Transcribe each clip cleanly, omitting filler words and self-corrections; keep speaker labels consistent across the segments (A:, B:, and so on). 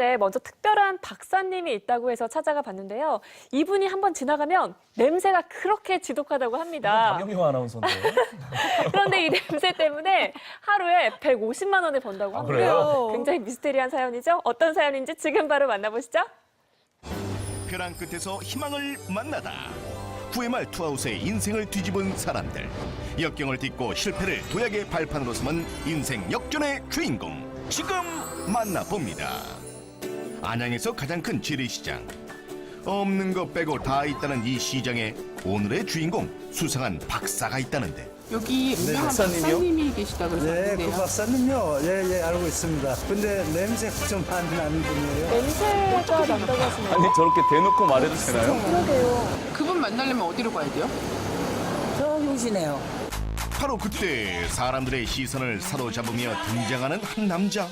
A: 이곳에 먼저 특별한 박사님이 있다고 해서 찾아가 봤는데요. 이분이 한번 지나가면 냄새가 그렇게 지독하다고 합니다.
B: 박영효 아나운서인데.
A: 그런데 이 냄새 때문에 하루에 150만 원을 번다고 하고요.
B: 그래요?
A: 굉장히 미스테리한 사연이죠. 어떤 사연인지 지금 바로 만나보시죠.
C: 벼랑 끝에서 희망을 만나다. 구회말 투하우스의 인생을 뒤집은 사람들. 역경을 딛고 실패를 도약의 발판으로 삼은 인생 역전의 주인공. 지금 만나봅니다. 안양에서 가장 큰 재래시장. 없는 것 빼고 다 있다는 이 시장에 오늘의 주인공 수상한 박사가 있다는데.
D: 여기 유명한
B: 박사님이요?
D: 박사님이 계시다고
E: 네,
D: 그러는데요.
E: 그 박사님요. 예, 알고 있습니다. 근데 냄새가 좀 많이 나는 분이에요.
A: 냄새가 난다고 하시네요.
B: 아니 저렇게 대놓고 말해도 되나요?
A: 그러게요.
D: 그분 만나려면 어디로 가야 돼요?
F: 저기 오시네요.
C: 바로 그때 사람들의 시선을 사로잡으며 등장하는 한 남자.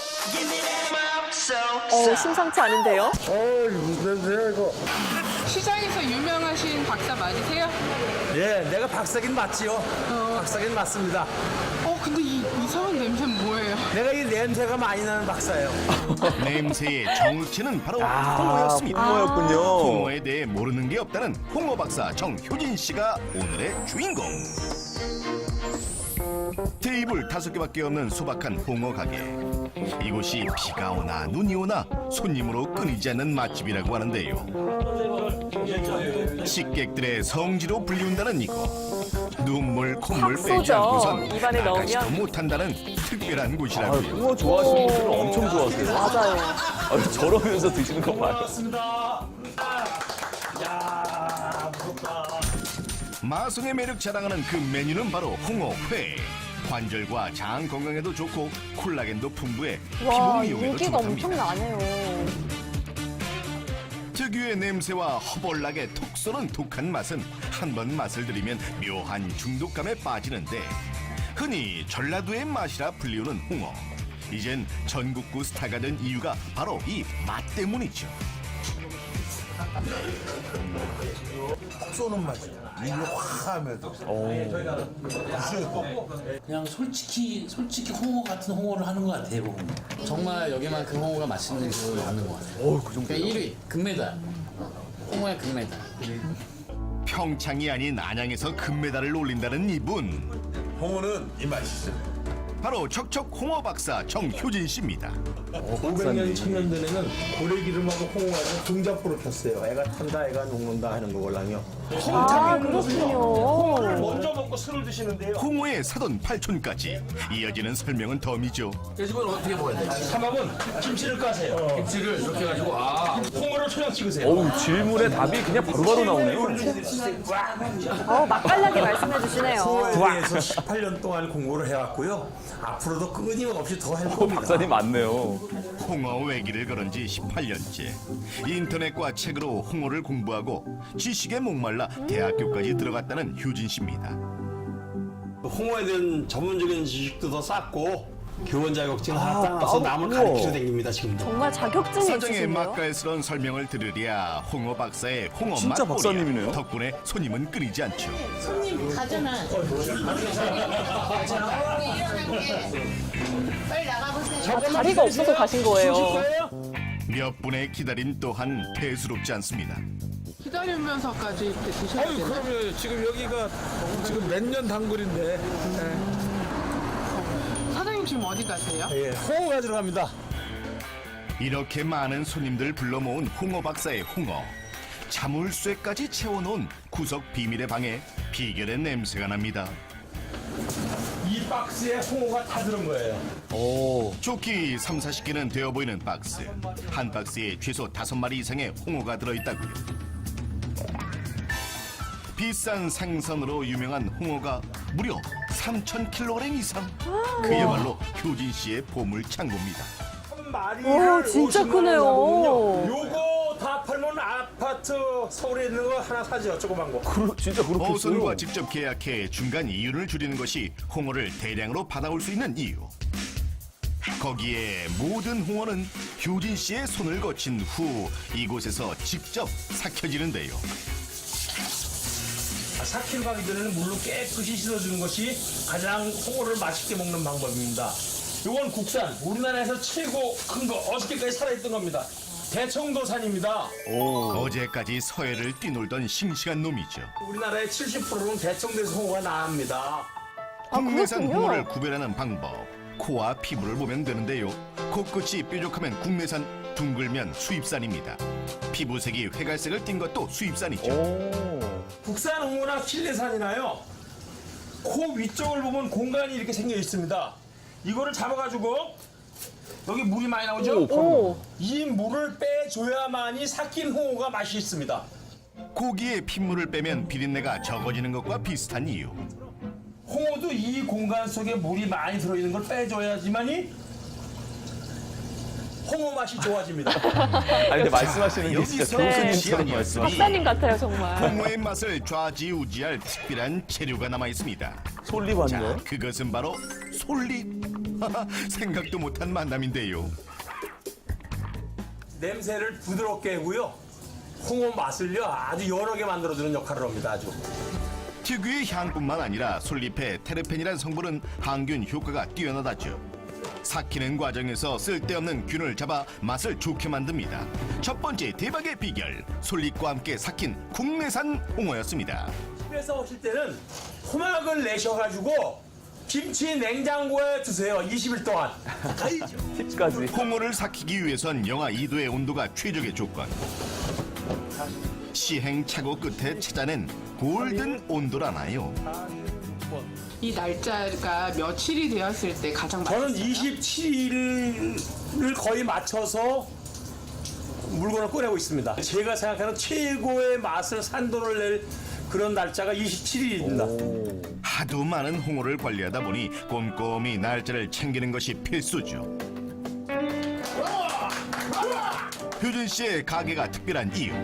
A: 심상치 않은데요.
E: 무슨 냄새야, 이거.
D: 시장에서 유명하신 박사 맞으세요?
E: 예, 내가 박사긴 맞지요. 박사긴 맞습니다.
D: 근데 이 이상한 냄새는 뭐예요?
E: 내가 이 냄새가 많이 나는 박사예요.
C: 냄새의 정체는 바로 홍어였습니다.
B: 홍어였군요.
C: 홍어에 대해 모르는 게 없다는 홍어 박사 정효진 씨가 오늘의 주인공. 테이블 5개밖에 없는 소박한 홍어 가게. 이곳이 비가 오나 눈이 오나 손님으로 끊이지 않는 맛집이라고 하는데요. 식객들의 성지로 불리운다는 이곳. 눈물 콧물
A: 확
C: 빼지
A: 쏘죠.
C: 않고선
A: 입안에
C: 나가지도
A: 넣으면.
C: 못한다는 특별한
B: 아,
C: 곳이라고요.
B: 홍어 좋아하시는 분들은 엄청 좋아하세요.
A: 맞아요.
B: 아, 저러면서 드시는 거 봐요.
C: 마성의 매력 자랑하는 그 메뉴는 바로 홍어회. 관절과 장 건강에도 좋고 콜라겐도 풍부해
A: 와,
C: 피부 미용에도
A: 인기가
C: 좋답니다.
A: 엄청 나네요.
C: 특유의 냄새와 허벌나게 톡 쏘는 독한 맛은 한 번 맛을 들이면 묘한 중독감에 빠지는데 흔히 전라도의 맛이라 불리우는 홍어. 이젠 전국구 스타가 된 이유가 바로 이 맛 때문이죠.
E: 쏘는 맛이요. 입이 화하면서.
G: 그냥 솔직히 홍어 같은 홍어를 하는 것 같아요. 보면. 정말 여기만큼 홍어가 맛있는 줄 아는 것 같아요.
B: 그 정도.
G: 그러니까 1위 금메달. 홍어의 금메달.
C: 평창이 아닌 안양에서 금메달을 올린다는 이분.
H: 홍어는 이 맛이죠.
C: 바로 척척 홍어 박사 정효진 씨입니다.
E: 500년, 1000년 전에는 고래기름하고 홍어하고 등자포를 폈어요. 애가 탄다, 애가 녹는다 하는 거걸랑요.
A: 아, 그렇군요.
E: 먼저 먹고 술을 드시는데요.
C: 홍어의 사돈 팔촌까지 이어지는 설명은 덤이죠.
G: 이걸 어떻게 먹어야 돼?
E: 삼합은 김치를 까세요.
G: 김치를 이렇게 해가지고
E: 홍어를 초장 찍으세요.
B: 어우, 질문의 답이 그냥 바로바로 나오네요.
A: 맛깔나게 말씀해 주시네요.
E: 홍어에 대해서 18년 동안 공부를 해왔고요. 앞으로도 끊임없이 더 할 겁니다.
B: 박사님 맞네요.
C: 홍어 외기를 걸은 지 18년째. 인터넷과 책으로 홍어를 공부하고 지식에 목말라 대학교까지 들어갔다는 효진 씨입니다.
H: 홍어에 대한 전문적인 지식도 더 쌓고 교원 자격증 하나 따서 남을
B: 우와.
H: 가르치러 다닙니다 지금도.
A: 정말 자격증이
C: 사정의
A: 있으시네요.
C: 맛깔스러운 설명을 들으랴 홍어 박사의 홍어
B: 진짜
C: 맛보랴.
B: 박사님이네요.
C: 덕분에 손님은 끊이지 않죠.
A: 자리가 없어서 가신 거예요.
C: 몇 분의 기다림 또한 대수롭지 않습니다.
D: 기다리면서까지 이렇게 드셔야 되나?
E: 그러면 지금 여기가 지금 몇 년 단골인데
D: 사장님 지금 어디 가세요?
E: 예, 홍어 가지러 갑니다.
C: 이렇게 많은 손님들 불러 모은 홍어 박사의 홍어. 자물쇠까지 채워놓은 구석 비밀의 방에 비결의 냄새가 납니다.
E: 이 박스에 홍어가 다 들은 거예요.
C: 좋기 3, 40개는 되어 보이는 박스. 한 박스에 최소 5마리 이상의 홍어가 들어있다고요. 비싼 생선으로 유명한 홍어가 무려 3,000kg 이상. 그야말로 효진 씨의 보물 창고입니다.
A: 오, 진짜 크네요.
E: 요거 다 팔면 아파트 서울에 있는 거 하나 사죠, 조그만 거.
B: 진짜 그렇겠어요.
C: 어선과 직접 계약해 중간 이윤을 줄이는 것이 홍어를 대량으로 받아올 수 있는 이유. 거기에 모든 홍어는 효진 씨의 손을 거친 후 이곳에서 직접 삭혀지는데요.
E: 4kg 가기 전에는 물로 깨끗이 씻어주는 것이 가장 홍어를 맛있게 먹는 방법입니다. 이건 국산, 우리나라에서 최고 큰 거, 어저께까지 살아있던 겁니다. 대청도산입니다.
C: 어제까지 서해를 뛰놀던 싱싱한 놈이죠.
E: 우리나라의 70%는 대청도에서 홍어가 나옵니다.
C: 국내산
A: 그렇군요.
C: 홍어를 구별하는 방법. 코와 피부를 보면 되는데요. 코끝이 뾰족하면 국내산, 둥글면 수입산입니다. 피부색이 회갈색을 띈 것도 수입산이죠.
E: 국산 홍어나 킬레산이나요, 코 위쪽을 보면 공간이 이렇게 생겨 있습니다. 이거를 잡아가지고 여기 물이 많이 나오죠?
A: 오.
E: 이 물을 빼줘야만이 삭힌 홍어가 맛이 있습니다.
C: 고기의 핏물을 빼면 비린내가 적어지는 것과 비슷한 이유.
E: 홍어도 이 공간 속에 물이 많이 들어있는 걸 빼줘야지만이 홍어 맛이 좋아집니다.
B: 아니 근데 말씀하시는 게 진짜
C: 여기서
B: 교수님처럼
C: 네.
B: 말씀이.
A: 박사님 같아요, 정말.
C: 홍어의 맛을 좌지우지할 특별한 재료가 남아 있습니다.
B: 솔잎
C: 자,
B: 아닌가요?
C: 그것은 바로 솔잎. 생각도 못한 만남인데요.
E: 냄새를 부드럽게 하고요, 홍어 맛을요 아주 여러 개 만들어주는 역할을 합니다. 아주.
C: 특유의 향뿐만 아니라 솔잎의 테르펜이라는 성분은 항균 효과가 뛰어나다죠. 삭히는 과정에서 쓸데없는 균을 잡아 맛을 좋게 만듭니다. 첫 번째 대박의 비결, 솔잎과 함께 삭힌 국내산 홍어였습니다.
E: 집에서 오실 때는 호막을 내셔가지고 김치 냉장고에 두세요. 20일 동안.
B: 팁까지.
C: 홍어를 삭히기 위해선 영하 2도의 온도가 최적의 조건. 시행착오 끝에 찾아낸 골든 온도라나요.
D: 이 날짜가 며칠이 되었을 때 가장
E: 저는
D: 맛있어요?
E: 27일을 거의 맞춰서 물건을 꺼내고 있습니다. 제가 생각하는 최고의 맛을 산도를 낼 그런 날짜가 27일입니다.
C: 하도 많은 홍어를 관리하다 보니 꼼꼼히 날짜를 챙기는 것이 필수죠. 효준 씨의 가게가 특별한 이유.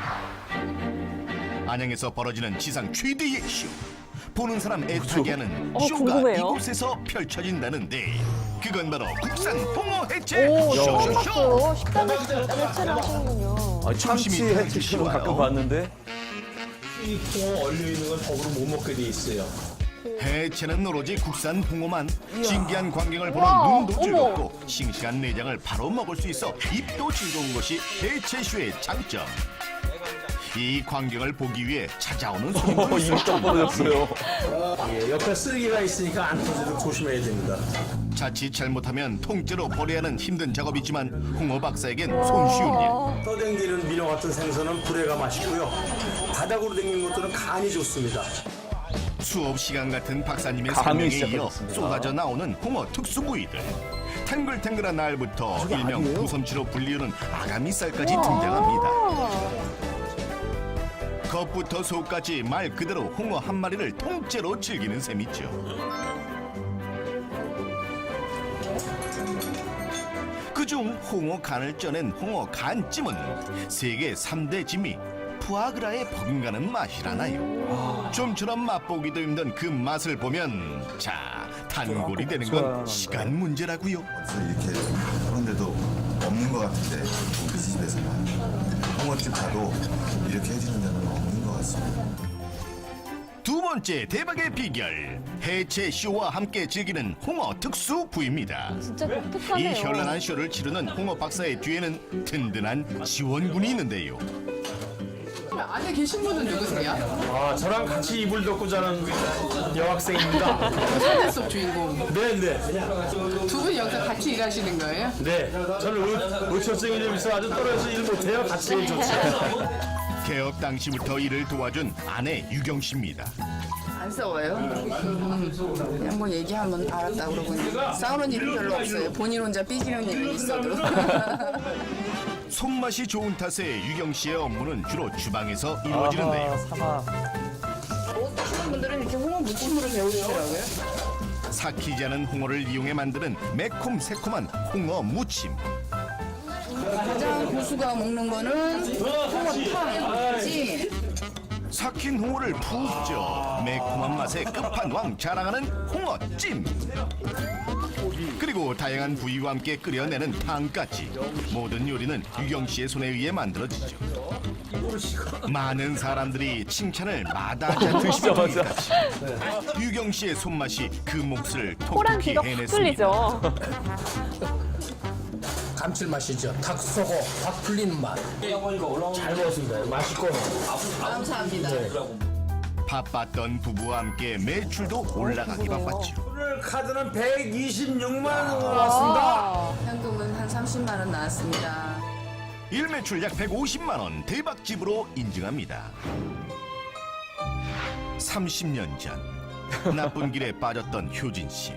C: 안양에서 벌어지는 지상 최대의 쇼. 보는 사람 애타게 하는 쇼가
A: 궁금해요.
C: 이곳에서 펼쳐진다는데 그건 바로 국산 홍어 해체
A: 오, 처음
C: 쇼쇼쇼.
A: 봤어요. 식당에서 해체를 하시는군요.
B: 아, 참치
C: 조심히
B: 해치시는 가끔 봤는데.
E: 이 홍어 얼려 있는 건 더불어 못 먹게 돼 있어요.
C: 해체는 오로지 국산 홍어만. 신기한 광경을 보는
A: 우와,
C: 눈도
A: 어머.
C: 즐겁고 싱싱한 내장을 바로 먹을 수 있어 입도 즐거운 것이 해체쇼의 장점. 이 광경을 보기 위해 찾아오는 손님도
B: 입이 딱 벌어졌어요.
E: 예, 옆에 쓰레기가 있으니까 안 터지도록 조심해야 됩니다.
C: 자칫 잘못하면 통째로 버려야 하는 힘든 작업이지만 홍어 박사에겐 손쉬운 일.
E: 떠댕기는 민어 같은 생선은 불에가 맛있고요. 바닥으로 댕기는 것들은 간이 좋습니다.
C: 수업 시간 같은 박사님의
B: 감이
C: 설명에 이어
B: 시작하셨습니다.
C: 쏟아져 나오는 홍어 특수 부위들. 탱글탱글한 날부터 일명 부섬치로 불리우는 아가미살까지 등장합니다. 겉부터 속까지 말 그대로 홍어 한 마리를 통째로 즐기는 셈이죠. 그중 홍어 간을 쪄낸 홍어 간찜은 세계 3대 진미 푸아그라에 버금가는 맛이라나요. 좀처럼 맛보기도 힘든 그 맛을 보면 자, 단골이 되는 건 시간 문제라고요.
I: 이렇게 그런 데도 없는 것 같은데 우리 집에서는 홍어집 가도 이렇게 해주는 데는 없는 것 같습니다.
C: 두 번째 대박의 비결, 해체 쇼와 함께 즐기는 홍어 특수 부위입니다.
A: 진짜
C: 이
A: 독특하네요.
C: 현란한 쇼를 치르는 홍어 박사의 뒤에는 든든한 지원군이 있는데요.
D: 안에 계신 분은 누구세요?
E: 아, 저랑 같이 이불 덮고 자는 여학생입니다.
D: 사내 속 주인공.
E: 네네.
D: 두 분 여기서 같이 일하시는 거예요?
E: 네. 저는 의처증이 좀 있어 아주 떨어져서 일 못해요. 같이 일 좋죠.
C: 개업 당시부터 일을 도와준 아내 유경 씨입니다.
J: 안 싸워요. 그냥 뭐 얘기하면 알았다 그러고 싸우는 일은 별로 없어요. 본인 혼자 삐지는 일은 있어도.
C: 손맛이 좋은 탓에 유경 씨의 업무는 주로 주방에서 이루어지는데요.
J: 못 드시는 분들은 이렇게 홍어 무침으로 배우시더라고요.
C: 삭히지 않은 홍어를 이용해 만드는 매콤 새콤한 홍어 무침.
J: 가장 고수가 먹는 거는 홍어탕, 찜.
C: 삭힌 홍어를 푹 쪄 매콤한 맛의 끝판왕 자랑하는 홍어찜. 그리고 다양한 부위와 함께 끓여내는 탕까지 모든 요리는 유경 씨의 손에 의해 만들어지죠. 많은 사람들이 칭찬을 마다하지 않는 시간까지 유경 씨의 손맛이 그 몫을
A: 호랑
C: 톡톡히
A: 귀가 확
C: 해냈습니다.
A: 뚫리죠.
G: 감칠맛이죠. 닭 쏘고 닭 풀리는 맛. 잘 먹었습니다. 맛있고.
J: 감사합니다.
C: 바빴던 부부와 함께 매출도 올라가기 바빴죠.
E: 오늘 카드는 126만 원 나왔습니다.
J: 현금은 한 30만 원 나왔습니다.
C: 일매출 약 150만 원 대박집으로 인증합니다. 30년 전 나쁜 길에 빠졌던 효진 씨.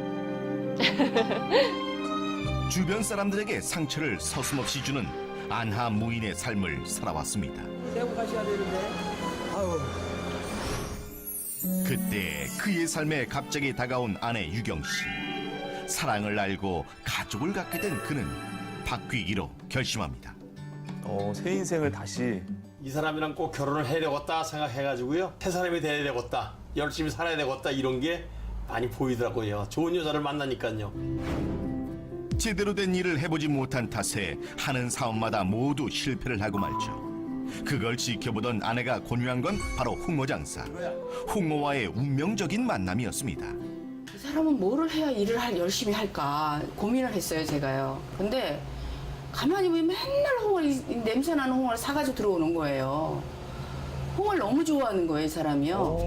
C: 주변 사람들에게 상처를 서슴없이 주는 안하 무인의 삶을 살아왔습니다. 그때 그의 삶에 갑자기 다가온 아내 유경 씨. 사랑을 알고 가족을 갖게 된 그는 바뀌기로 결심합니다.
B: 새 인생을 다시.
H: 이 사람이랑 꼭 결혼을 해야 되겠다 생각해가지고요. 새 사람이 돼야 되겠다. 열심히 살아야 되겠다. 이런 게 많이 보이더라고요. 좋은 여자를 만나니까요.
C: 제대로 된 일을 해보지 못한 탓에 하는 사업마다 모두 실패를 하고 말죠. 그걸 지켜보던 아내가 권유한 건 바로 홍어 장사. 홍어와의 운명적인 만남이었습니다.
J: 이 사람은 뭐를 해야 일을 열심히 할까 고민을 했어요, 제가요. 근데 가만히 보면 맨날 냄새 나는 홍어를 사가지고 들어오는 거예요. 홍어를 너무 좋아하는 거예요, 이 사람이요.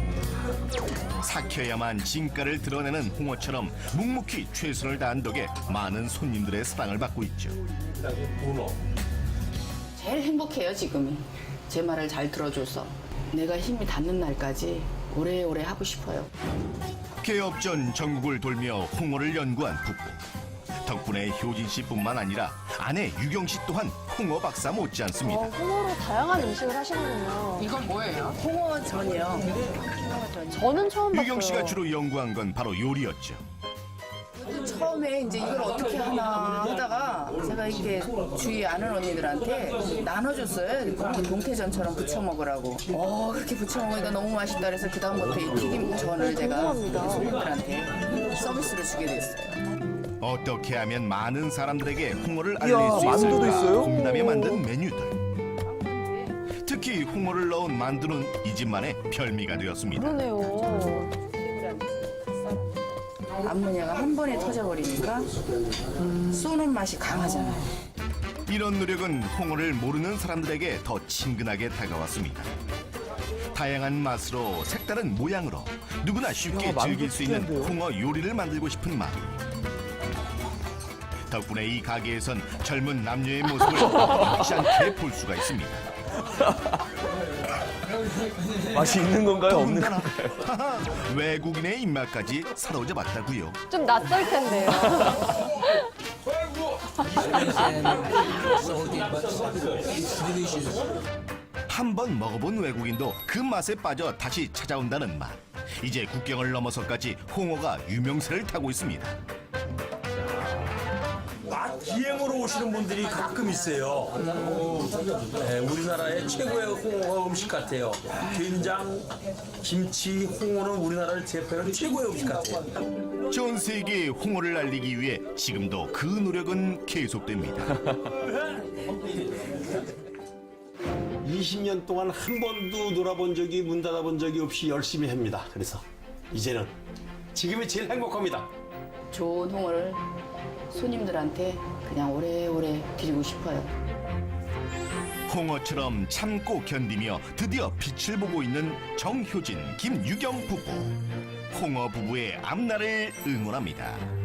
C: 삭혀야만 진가를 드러내는 홍어처럼 묵묵히 최선을 다한 덕에 많은 손님들의 사랑을 받고 있죠.
J: 제일 행복해요, 지금이. 제 말을 잘 들어줘서. 내가 힘이 닿는 날까지 오래오래 하고 싶어요.
C: 개업 전 전국을 돌며 홍어를 연구한 부부. 덕분에 효진 씨뿐만 아니라 아내 유경 씨 또한 홍어 박사 못지않습니다.
A: 홍어로 다양한 음식을 하시는군요.
D: 이건 뭐예요?
J: 홍어전이요.
A: 저는 처음 봤어요.
C: 유경 씨가 주로 연구한 건 바로 요리였죠.
J: 처음에 이제 이걸 어떻게 하나 하다가 제가 이렇게 주위 아는 언니들한테 나눠줬어요. 이렇게 동태전처럼 부쳐 먹으라고. 그렇게 부쳐 먹으니까 너무 맛있다 그래서 그다음부터 이 튀김전을 제가 손님들한테 서비스로 주게 됐어요.
C: 어떻게 하면 많은 사람들에게 홍어를 알릴
B: 이야,
C: 수
B: 만두도
C: 있을까
B: 있어요?
C: 고민하며 만든 메뉴들. 특히 홍어를 넣은 만두는 이 집만의 별미가 되었습니다.
A: 그러네요.
J: 암모니아가 한 번에 터져버리니까 쏘는 맛이 강하잖아요.
C: 이런 노력은 홍어를 모르는 사람들에게 더 친근하게 다가왔습니다. 다양한 맛으로 색다른 모양으로 누구나 쉽게 즐길 수 있는 홍어 요리를 만들고 싶은 마음. 덕분에 이 가게에선 젊은 남녀의 모습을 잊지 않게 볼 수가 있습니다.
B: 맛이 있는 건가요? 없는 건가요?
C: 하하, 외국인의 입맛까지 사로잡았다고요.
A: 좀 낯설 텐데요.
C: 한 번 먹어본 외국인도 그 맛에 빠져 다시 찾아온다는 맛. 이제 국경을 넘어서까지 홍어가 유명세를 타고 있습니다.
E: 맛 기행으로 오시는 분들이 가끔 있어요. 네, 우리나라의 최고의 홍어 음식 같아요. 된장, 김치, 홍어는 우리나라를 대표하는 최고의 음식 같아요.
C: 전 세계에 홍어를 알리기 위해 지금도 그 노력은 계속됩니다.
H: 20년 동안 한 번도 놀아본 적이 문 닫아본 적이 없이 열심히 합니다. 그래서 이제는 지금이 제일 행복합니다.
J: 좋은 홍어를 손님들한테 그냥 오래오래 드리고 싶어요.
C: 홍어처럼 참고 견디며 드디어 빛을 보고 있는 정효진, 김유경 부부. 홍어 부부의 앞날을 응원합니다.